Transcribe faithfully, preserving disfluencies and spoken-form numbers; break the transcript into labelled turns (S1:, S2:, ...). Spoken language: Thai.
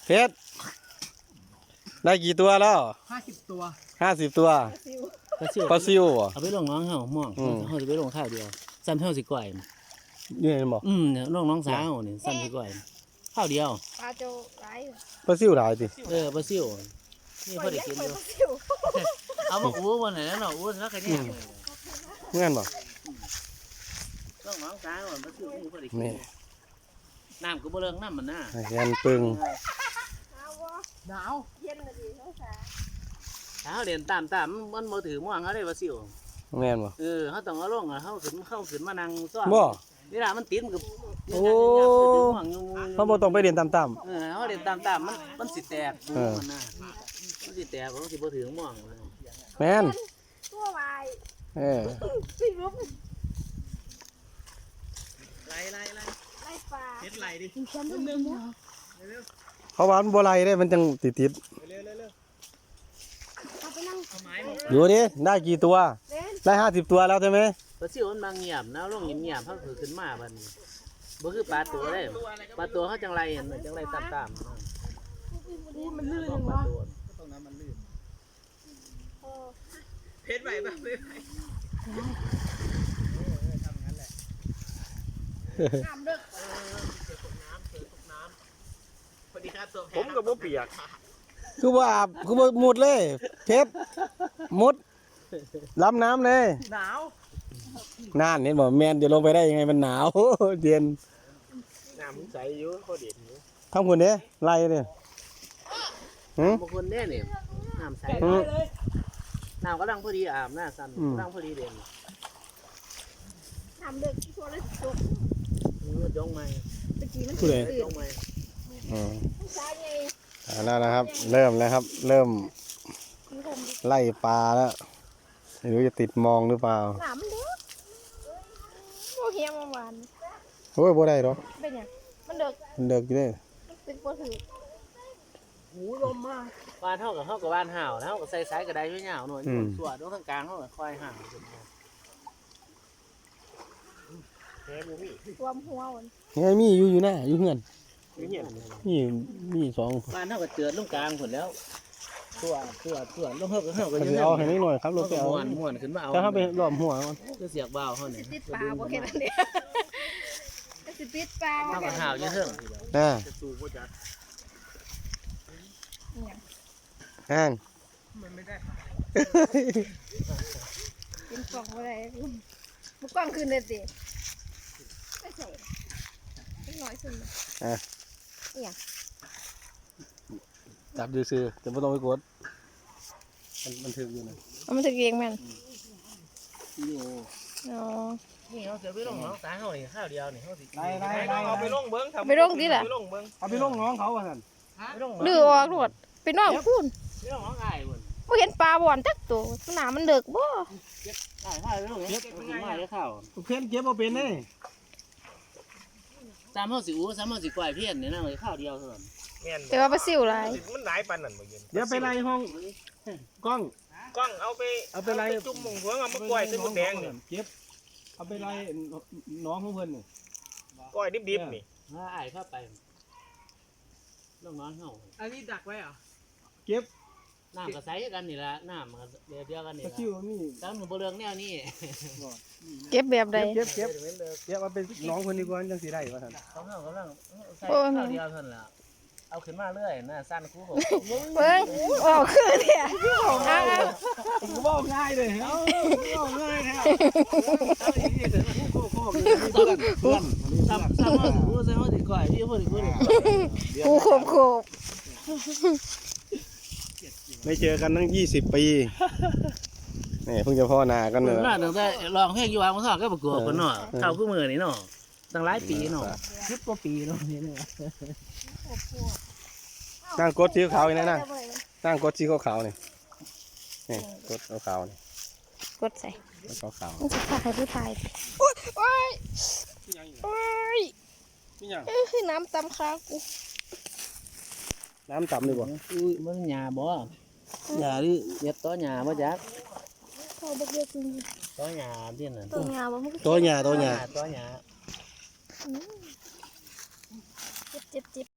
S1: เพชรได้กี่ตัวแล้ว
S2: ห้าสิบตัว
S1: ห้าสิบตัว
S3: ปลาซิว
S1: ปลาซิวอ่ะ
S3: เอาไปลงน้องเฮาม่วงเฮาจะไปลงข้าวเดียวซ้ำเฮาสิก่อย
S1: นี่เห็นบ่
S3: อืมเนี่ยลงน้องสาวนี่ซ้ำสิก่อยข้าวเดียว
S4: ปลาโจไร
S1: ปลาซิวหลายสิ
S3: เออปลาซิวนี่พอได้กินอยู่เอามาอู้วันไหนแล้วเนาะอู้แล้วแค่นี้
S1: เงี้ยบ่
S3: ลงน้องสาวปลาซิวนี่พอได้กินน้ำก็บ่เลิกน้ำมันน่ะ
S1: เย็นปึง
S2: หนาว
S4: เย็นเลยดิน้องสาว
S3: ถ้าเรียนตามตามมันบ่ถือม่วงเขาได้ปลาซิว
S1: แม่นบ่
S3: เออเขาต้องเอาลงอ่ะเขาขึ้นเขาขึ้นมานั่งซ้อม
S1: บ่
S3: นี่ล่ะมันติดกับ
S1: โอ้เขาบ่ต้องไปเรียนตาม
S3: ๆเออเขาเรียนตามตามมันมันสิแตกมันน่ะมันสิแตกมันสิบ่ถือม่วง
S1: แม่น
S4: ตัววาย
S1: เออ
S4: พี่ลุก
S3: ไล่ไล่ไล่
S4: ไล่ปลา
S3: เฮ็ดไล่ดิ
S4: ฉันเดินเนาะ
S1: เขาว่ามันบ่ไหลได้มันจังติดติดดูดิได้กี่ตัวได้ห้าสิบตัวแล้วใช่ไหม
S3: ปลาซิวมันบางเงียบนะลงเงียบๆเขาถือขึ้นมาบัดนี้บ่คือปลาตัวได้ปลาตัวเขาจังไรเห็นจังไรตามตาม
S4: มันลื่นจังวะ
S2: ตรงนั้นมันลื่นเพชรไหวป่ะเพชรไหวทำงั้นแหละ
S4: น้ำเด็ก
S2: ผมกับโบเปียก
S1: คือว่าคือว่าหมดเลยเพชรหมดล้ำน้ำเลย
S2: หนาว
S1: น่านเห็นบอกแมนจะลงไปได้ยังไงมันหนาวเย็น
S2: น้ำใสอยู่เขาเด็ดอยู่
S1: ทำคนเนี้ยไล่เนี่ย
S3: บางคนเนี่ยเนี่ยน้ำใสน้ำก็ดังพอดีอาบน้าสั่นดังพอดีเด่น
S4: น้ำเด็กที่ตัวเล็กตัว
S3: จงไหม
S4: ตะกี้มัน
S1: ตื่น
S3: จงไหม
S1: อืมนั่นนะครับเริ่มแล้วครับเริ่มไล่ปลาแล้วไม่รู้จะติดมองหรือเปล่า
S4: น้ำมันเด็กโอ้เฮียมันหวาน
S1: โอ้ยบ่ได้หรอ
S4: เป็นยังมันเด็ก
S1: มันเด็กอยู่เลย
S4: เป็นปลาถือ
S2: หูลมมาก
S3: บ้านเท่ากับเท่ากับบ้านห่าวเท่ากับใส่สายกระไดช่วยเหงาหน่อยส่วนตรงกลางเท่ากับควายห่าว
S4: รวมหัวมัน
S1: ไงมีอยู่อยู่หน้าอยู่เงินนี่มีสอง
S3: บ้านเท่ากับเตือนตรงกลางหมดแล้วตัวตัวตัวลงเท่ากับเท่ากับ
S1: เอาให้นิดหน่อยครับรถไปเอา
S3: ม้วนม้วนขึ้นมาเอา
S1: ถ้าเขาไปหลอมหัวมัน
S3: จะเสียบเบาเขาเนี่ย
S4: ติดปลาโอเคนั่นเดียวติดปลา
S3: เท่ากับห่าวเยอะเท่า
S1: อ่าอ่าง
S2: มันไม่ได้
S4: เป็นกล่องอะไรบุกกล่องคืนเด็ดดิไม่ใส่ไม่น้อยสุดเลย
S1: อ่ะ
S4: เนี่ย
S1: จับดูซื้อจะไม่ต้องไปกดมันมันถึงอยู่นะ
S4: มันถึงเองมัน
S3: อ๋อนี่เขาจะไปลงน้องตาเขาเนี่ยข้าวเดียวเนี่ยเขาสิ
S2: ไล่ไล่ไล่เอาไปลงเบิ้ง
S4: ไปลงดิล่ะ
S2: เอาไปลงน้องเขาอ่ะท่าน
S4: ดื้อออกหมดไปน้องพูน
S3: ไปลงน้องไอ้บุญ
S4: ไม่เห็นปลาบ่อนจักตัวหนามันเดือกบ่
S3: ไอ้ข้าวไปลงเก็บมาได้ข้าว
S2: เพี้ยนเก็บเอาเป็นเลย
S3: สามห้าสิบอู้สามห้าสิบกว่าเพี้ยนเนี่ยนั่งเลยข้าวเดียวเท่านั้น
S4: แต่ว่าปลาซิวไร
S2: มันหลายปันนั่นเมื่อกี้เดี๋ยวไปไล่ห้องกล้องกล้องเอาไปเอาไปไล่จุ่มมงหัวเอามากล้วยเส้นมะแดงเนี่ยเก็บเอาไปไล่น้องของเพื่อนนี่กล้วยดิบๆนี่
S3: ไอ้ข้าไปลงน้องเขา
S2: อันนี้ดักไว้อ่ะ
S3: เก็บน้ำกระใสกันนี่ละน้ำมันเดียวเดียวกันนี่ละตั้งหนูบเรืองแนวนี้
S4: เก็บแบบใด
S2: เก็บเก็บเก็บเอาไปน้องคนดีกว่าจังสีได้ป่ะท่าน
S3: เขาเขากำลังใส่ข้าวเดียวท่านละเอาขึ้นมาเรื่อยน่ะสั้นคู่ผม
S4: เบิ้งออกคือเนี่ยพี่ผมอ่ะ
S2: กูบอกง่ายเลยเอาบอกง่ายแท้
S3: เพื่อนเพื่อนซ้ำซ้ำว่ากูใส่หัวติดก่อยพี่หัวติดกูเลย
S4: กูโขบโขบ
S1: ไม่เจอกันตั้งยี่สิบปีนี่เพิ่งจะพ่อนากันเลย
S3: น่าตั้งแต่ลองเพลงอยู่วางมาสอบก็ประกวดกันเนาะเข้าคู่มือนี่เนาะตั้งหลายปีเนาะสิบกว่าปีเนาะนี่เนี่ย
S1: นั่งกดสีขาวนี่นะนั่งกดสีขาวนี่นี่กดขาวนี่
S4: กดใส่
S1: ขาวขาว
S4: มันจะถ่ายผู้ถ่ายโอ้ยโอ้ยโอ้ยคือน้ำตำขากู
S1: น้ำต่ำดีกว่า
S3: อุ้ยมันหยาบ่หยาดิเย็ดต้อหยาบ่จัก
S4: เขาบอกเยอะจริง
S3: ต้อหยาที่นั่น
S4: ต้อหยาบ่
S1: ต้อหยาต้อหยา
S3: ต้อหยา
S4: เจ็บเจ็บเจ็บ